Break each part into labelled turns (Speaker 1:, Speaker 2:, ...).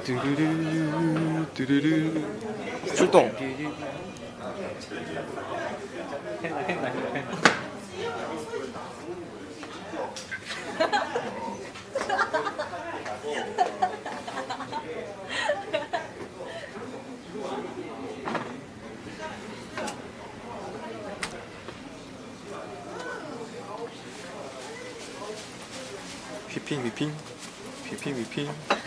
Speaker 1: 뚜루루 뚜루루 출동. 휘핑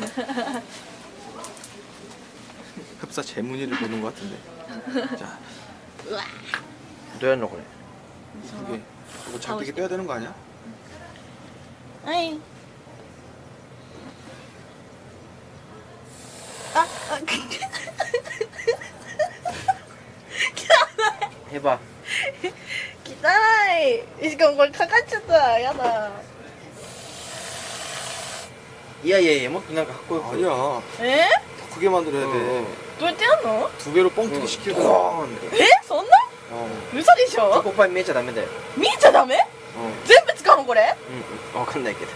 Speaker 1: 흡사 재문이를 보는 것 같은데. 자,
Speaker 2: 뭐야これ?
Speaker 1: 이게 이거 잘되게 빼야 되는 거 아니야?
Speaker 3: 아이.
Speaker 2: 해봐.
Speaker 3: 汚い。しかもこれかかっちゃった。やだ。
Speaker 2: 이야もっとなんかかっこよく.
Speaker 1: 아니야.
Speaker 3: え
Speaker 1: 더 크게 만들어야 돼.
Speaker 3: どうやってやんの
Speaker 1: 두 배로 뻥튀기 시키고.
Speaker 3: えそんな 嘘でしょ
Speaker 2: 초코파이 見えちゃダメだよ.
Speaker 3: 見えちゃダメ全部使うのこれ
Speaker 2: わかんないけど.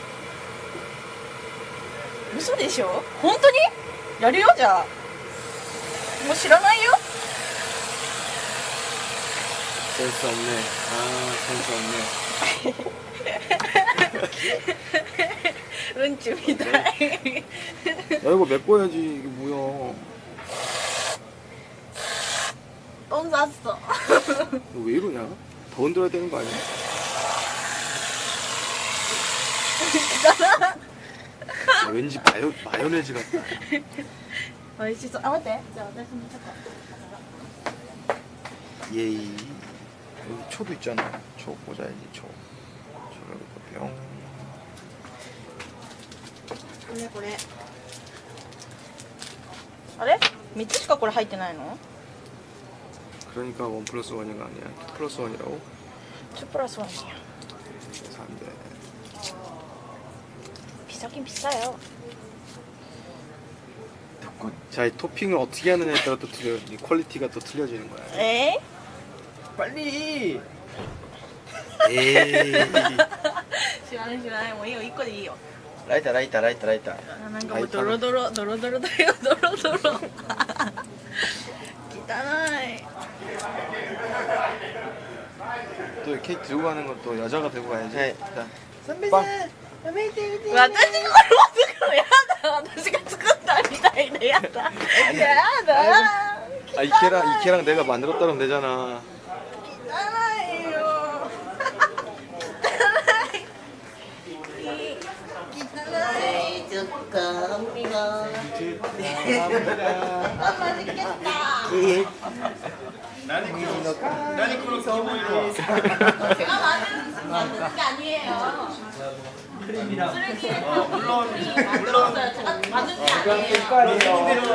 Speaker 3: 嘘でしょ本当にやるよじゃあもう知らないよ
Speaker 1: 센스 없네. 아, 센스 없네.
Speaker 3: うんちみたい
Speaker 1: 야, 이거 메꿔야지. 이게 뭐야.
Speaker 3: 똥 쌌어
Speaker 1: 너 왜 이러냐? 더 흔들어야 되는 거 아니야? 야, 왠지 마요네즈 같다.
Speaker 3: おいしそうあ待ってじゃあ私もちょっと
Speaker 1: 예이. 여기 초도 있잖아. 초 꽂아야지, 초. 초를 뿅.
Speaker 3: これこれあれ3つしかこれ入ってないの
Speaker 1: 그러니까 1+1이 아니야. 2+1이라고?
Speaker 3: 2プラス1이야
Speaker 1: 그래서 안 돼.
Speaker 3: 비싸긴 비싸요
Speaker 1: 자, 이 토핑을 어떻게 하느냐에 따라 또 틀려. 이 퀄리티가 또 틀려지는 거야.
Speaker 3: 에?
Speaker 2: 빨리.
Speaker 1: 에이.
Speaker 3: 知らないもういいよ1個でいいよ
Speaker 2: 라이터.
Speaker 3: なんかもうドロドロだよドロドロ汚い
Speaker 1: 또 이 케이크 들고 가는 건 또 여자가 들고 가야지.
Speaker 2: 네.
Speaker 1: 자,
Speaker 3: 私
Speaker 1: 빵.
Speaker 3: がこれ持ってくのやだ私が作ったみたいでやだやだ
Speaker 1: 아, 이케랑 내가 만들었다 그러면 되잖아.
Speaker 3: 汚いよ汚いちょっと海があマジけった何このキモいのは제가 만든 게 아니에요 물론 제가 만든 게 아니에요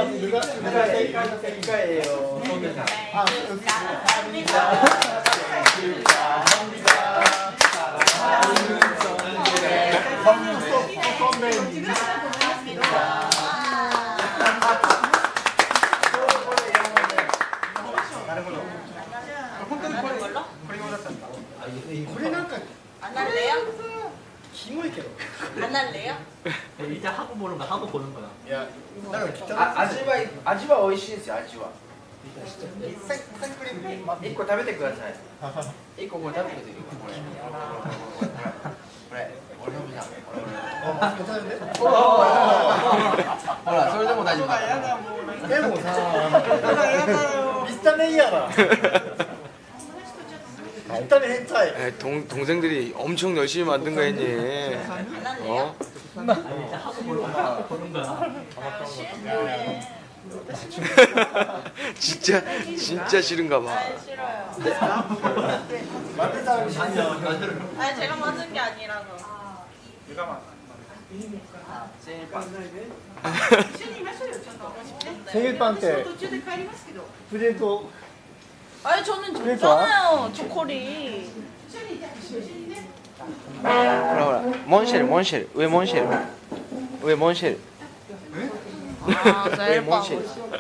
Speaker 2: 이거예요.
Speaker 3: 안 할래요?
Speaker 4: 기모이게도.
Speaker 3: 안 할래요?
Speaker 4: 이제 하고 보는 거 하고 보는 거야. 야, 나는
Speaker 2: 아지와 美味しいですよ味は.
Speaker 4: 생크림 맛.
Speaker 2: 1個食べてください. 1個これ食べてください. これ俺のじゃん.
Speaker 4: 괜찮은데?
Speaker 2: ほらそれでも大丈夫だ.
Speaker 4: でもさ、見た目嫌だ. 일단은 hentai.
Speaker 1: 에이, 동생들이 엄청 열심히 만든 거 했니? 어? 진짜 싫은가 봐.
Speaker 3: 싫어요
Speaker 4: 만든 사람이 아니야.
Speaker 3: 아니 제가 만든 게 아니라서
Speaker 4: 생일빵 때 프레젠토.
Speaker 3: 아니 저는 줬잖아요 초콜릿
Speaker 2: ほら 몬쉘 왜 몬쉘? 왜 몬쉘?
Speaker 3: 아
Speaker 2: 왜 몬쉘?